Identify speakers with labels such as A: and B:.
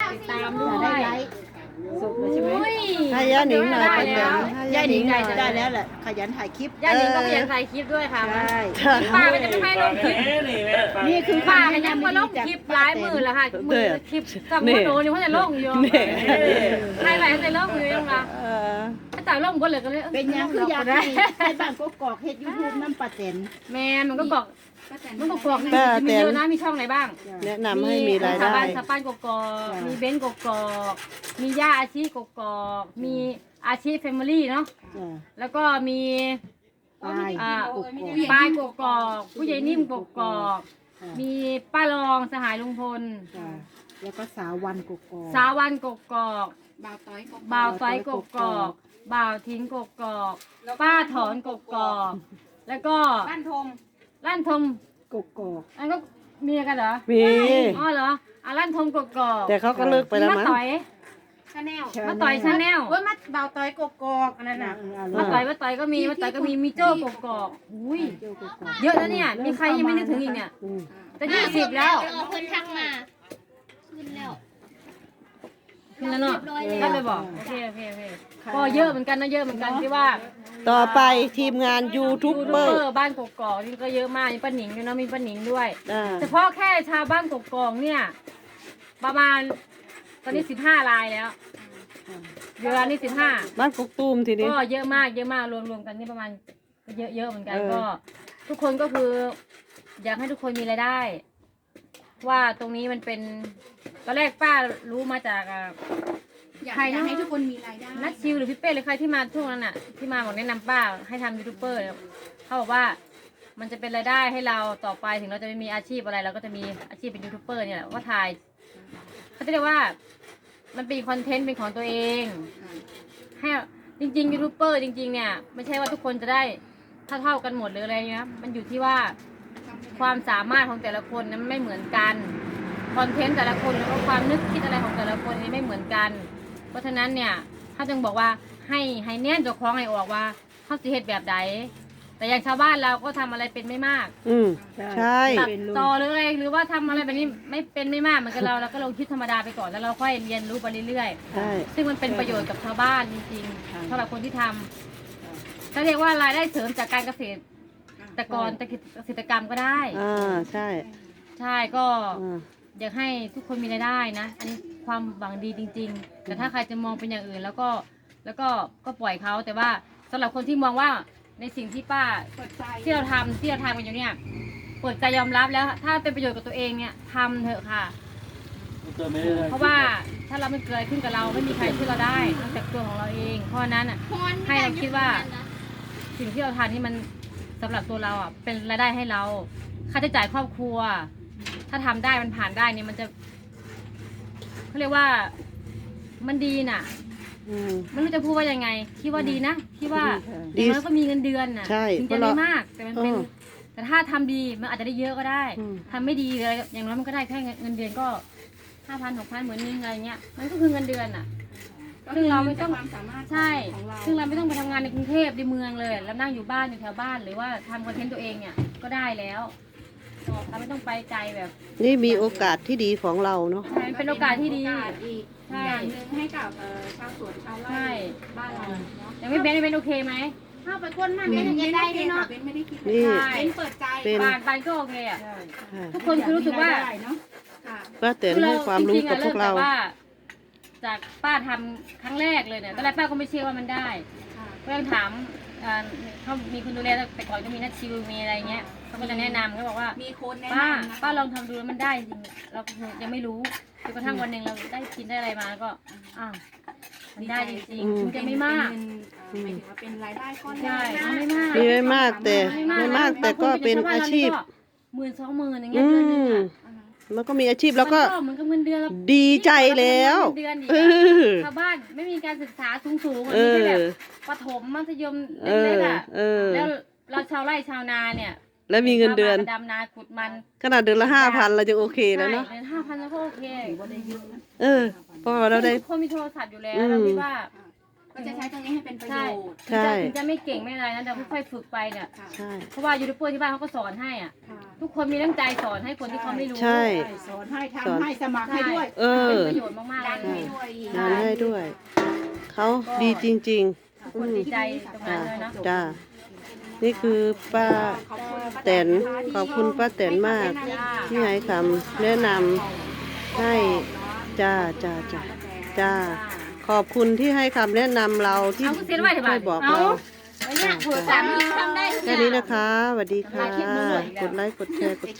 A: ติดตามด้วย
B: สุกเลยใช่ไหม
C: ให้ย่าหนิงหน่อยป้าแตน
B: ย่าหนิงใหญ่จะได้แล้วแหละขยันถ่ายคลิป
A: ย่าหนิงก็พยายามถ่ายคลิปด้วยค่ะ
B: ใช่
A: ป้าก็จะไม่ให้ลงคลิป
B: นี่คือ
A: ป้าก็ยังมาลงคลิปหลายมือแล้วค่ะมือคลิปกับมือโดนยังไม่ได้ลงอยู่ใครไหนจะลงอยู่ยังล่ะถ้าจ่ายลงก็เลยก็เลย
B: เป็นยังคืออยากให้บ้านกกอกเฮ็ดยูทูบน้ำปลาแตน
A: แมนมันก็บอกมันก็บอกนะมีเยอะนะมีช่องไหนบ้าง
C: แนะนำให้มีรายได้
A: สปานกกอกมีเบนกกอกมีย่าอาชีกกอกมีอาชีแฟมิลี่เนาะแล้วก็มี
B: ปลาย
A: ปลายกกอกผู้ใหญ่นิ่มกกอกมีป้ารองสหายลุงพล
B: แล้วก็สาววันกกอก
A: สาวันกกอก
D: บ่าวต้อยกบ
A: บ่าวต้อยกกอกบ่าวทิ้งกกอกป้าถอนกกอกแล้วก็
D: บ้านทม
A: ลั่นทม
B: กกอก
A: อันก็มีกันเหรอ
C: มี
A: อ๋อเหรอลั่นทมกกอก
C: แต่เขาก็เลิกไปแล้ว
A: มา
C: มั้ง
A: ต่อย
D: ชาแนล
A: มาต่อยชาแนล
D: เว้ยมาบ่าวต้อยกบกอกอันนั้นน่ะ
A: มาต่อยก็มีมีโจ้กกอกอุ้ยเยอะแล้วเนี่ยมีใครยังไม่นึกถึงอีกเนี่ยจะ20แล้ว
E: เพิ่นทักมาขึ้นแล้ว
A: ขึ้นแล้วเนาะได้ไปบอกโอเคก็เยอะเหมือนกันนะเยอะเหมือนกันที่ว่า
C: ต่อไปทีมงานยูทูบเบอร์
A: บ้านกกอกนี่ก็เยอะมากมีป้าหนิงด้วยเนาะมีป้าหนิงด้วย
C: อ่า
A: เฉพาะแค่ชาวบ้านกกอกเนี่ยประมาณตอนนี้15 รายแล้วเวลานี้15
C: บ้านกกตูมทีนี้
A: ก็เยอะมากรวมกันนี่ประมาณก็เยอะเหมือนกัน
C: เออ
A: ก็ ทุกคนก็คือ อยากให้ทุกคนมีรายได้ ว่าตรงนี้มันเป็นตอนแรกป้ารู้มาจาก
D: อยาก
A: ใคร
D: อยาก
A: นะ
D: ให้ทุกคนมีรายได้
A: นัทชิวหรือพี่เป้หรือใครที่มาช่วงนั้นน่ะที่มาบอกแนะนำป้าให้ทำยูทูบเบอร์เนี่ยเขาบอกว่ามันจะเป็นรายได้ให้เราต่อไปถึงเราจะไม่มีอาชีพอะไรเราก็จะมีอาชีพเป็นยูทูบเบอร์เนี่ยแหละว่าถ่ายเขาจะเรียกว่ามันเป็นคอนเทนต์เป็นของตัวเองให้จริงๆยูทูบเบอร์จริงๆเนี่ยไม่ใช่ว่าทุกคนจะได้เท่ากันหมดหรืออะไรนะมันอยู่ที่ว่าความสามารถของแต่ละคนนั้นไม่เหมือนกันคอนเทนต์แต่ละคนแล้วก็ความนึกคิดอะไรของแต่ละคนนี่ไม่เหมือนกัน เพราะฉะนั้นเนี่ยถ้าจึงบอกว่าให้แน่นเจ้าของให้ออกว่าเขาสิเหตุแบบใดแต่อย่างชาวบ้านเราก็ทำอะไรเป็นไม่มาก
C: ใช่
A: ตัดต่อหรืออะไรหรือว่าทำอะไรแบบนี้ไม่เป็นไม่มากเหมือนกับเราก็ลองคิดธรรมดาไปก่อนแล้วเราค่อยเรียนรู้ไปเรื่อย
C: ใช่
A: ๆซึ่งมันเป็นประโยชน์กับชาวบ้านจริงๆสำหรับคนที่ทำเขาเรียกว่ารายได้เสริมจากการเกษตรกรเกษตรกรรมก็ได้
C: ใช่
A: ใช่ก็
C: อ่า
A: อยากให้ทุกคนมีรายได้นะ อันนี้ความหวังดีจริง ๆ แต่ถ้าใครจะมองเป็นอย่างอื่นแล้วก็ปล่อยเขาแต่ว่าสำหรับคนที่มองว่าในสิ่งที่ป้า
D: เปิดใจ
A: ที่เราทำกันอยู่เนี่ยเปิดใจยอมรับแล้ว ถ้าเป็นประโยชน์กับตัวเองเนี่ยทำเถอะค่ะ เพราะว่าถ้าเราไม่เกิดอะไรขึ้นกับเราไม่มีใครช่วยเราได้นอกจากตัวของเราเอง เพราะฉะนั้นอ่ะ ให้เราคิดว่า สิ่งที่เราทานนี่มันสำหรับตัวเราอ่ะเป็นรายได้ให้เราค่าใช้จ่ายครอบครัว ถ้าทำได้มันผ่านได้เนี่ยมันจะเขาเรียกว่ามันดีน่ะไม่รู้จะพูดว่ายังไงคิดว่าดีนะคิดว่าอย่างน้อยก็มีเงินเดือนน่ะ
C: ใช่
A: ถึงจะไม่มากแต่มันเป็น
C: เออ
A: แต่ถ้าทำดีมันอาจจะได้เยอะก็ได้
C: อืม
A: ทำไม่ดีเลยอย่างน้อยมันก็ได้แค่เงินเดือนก็5,000 6,000เหมือนนึงอะไรเงี้ยมันก็คือเงินเดือนน่ะ ซึ่งเราไม่ต้อง
D: ความสามารถ
A: ใช่
D: ของเรา
A: ซึ่งเราไม่ต้องไปทำงานในกรุงเทพในเมืองเลยแล้วนั่งอยู่บ้านอยู่แถวบ้านหรือว่าทำคอนเทนต์ตัวเองเนี่ยก็ได้แล้วเราไม่ต้องไปไกลแบบ
C: นี่มีโอกาสที่ดีของเราเนาะ
A: ใช่เป็นโอกาสที่ดี
D: โอกาสอีก
A: ใช่
D: อย่างหนึ่งให้กับชาวสวนชาว
A: ใช่
D: ไร่บ้านเราเนาะ
A: ยังไม่เป็นโอเคไหม
D: ถ้าไปก้นมันเป็นยังได้เนาะเป็นไม่ได้คิด
C: นี่
D: เป็นเปิดใจ
C: เป็น
A: บานก็โอเคอ่ะ
C: ใช่
A: ทุกคนคือรู้สึกว่า
D: เนาะค่ะ
C: ป้าแตนให้ความรู้กับพวกเรา
A: จงๆอะมจากจากป้าทำครั้งแรกเลยเนี่ยตอนแรกป้าก็ไม่เชื่อว่ามันได้
D: ค่ะ
A: ก็ยังถามเขามีคนดูแลแต่ก่อนก็มีนักชิวมีอะไรเงี้ยเขาก็จะแนะนำก็บอกว่า
D: มีโค้ดแนะ
A: ป้าน
D: ำนะ
A: ป้าลองทำดูแล้วมันได้จริงเรายังไม่รู้จนกระทั่งวันหนึ่งเราได้กินได้อะไรมาแล้วก็อ้าวมันได้จริงๆมันจะไม่มาก
D: หมายถึงว่าเป็นรายได้ก้อนแร
A: ใช่
D: ก
A: มันไม่มาก
C: มีไม่มากแต่ก็เป็นอาชีพ
A: 10,000-20,000อย่างเงี้ยเดือนนึงอ่ะ
C: มันก็มีอาชีพแล้วก็
A: มันเหมือนกับเงินเดือนเรา
C: ดีใจแล้ว
A: เดือนอีก
C: เอ
A: อะ
C: อ
A: ชาวบ้านไม่มีการศึกษาสูงๆ
C: เอ
A: มีแค่
C: อ
A: แบบประถมมัธยม
C: เอ
A: เล็
C: อก
A: ๆอ่ะ
C: เออ
A: แล้วเราชาวไร่ชาวนาเนี่ย
C: แล้วมีเงินเดือน
A: ดำนาขุดมัน
C: ขนาดเดือนละ5,000เราจะโอเคแล้วเนาะ
A: ใช่เดือน5,000แล้วก็โอเค
C: เพราะว่าเราได้
A: ทุกคนมีโทรศัพท์อยู่แล้ว
C: อืม
A: เราคิดว่า
D: ก็จะใช้ตรงนี้ให้เป็นประโย
A: ใช่
D: ชน์
C: ใช่
A: ถึงจะไม่เก่งไม่อะไรนะแต่ค่อยๆฝึกไปเนี่ย
D: ค่ะ
C: ใช่
A: เพราะว่ายูทูบเบอร์ที่บ้านเขาก็สอนให้อ่ะ
D: ค่ะ
A: ทุกคนมีน้ำใจสอนให้คนที่เขาไม่รู้
C: ใช่
B: สอนให้ทำให้สมัครให้ด้วย
C: เออ
A: เป็นประโยชน์มากๆ
D: ดัน
A: เลย
D: ให้ด้วยอีก
C: งานให้ด้วย เขาดีจริงๆ
A: คนดีใจตรงนั้
C: จ้าน
A: เลยเนาะ
C: จ้า นี่คือป้า
D: ขอบคุณป้า
C: แตนขอบคุณป้าแตนมาก ที่ให้คำแนะนำให้จ้าจ้าจ้าจ้า ขอบคุณที่ให้คำแนะนำเราที่
A: เอาเซ็นไว้เถอะ
C: ช่
A: บ้า
C: วย
A: น
C: บอก
A: เอา
C: เรา
A: วันเนี้ยโทรศัพท์ทำได้ทุกอ
C: แค่
A: ย่าง
C: นี้นะคะสวัสดีค่ะ กดไลค์ กดแชร์ กด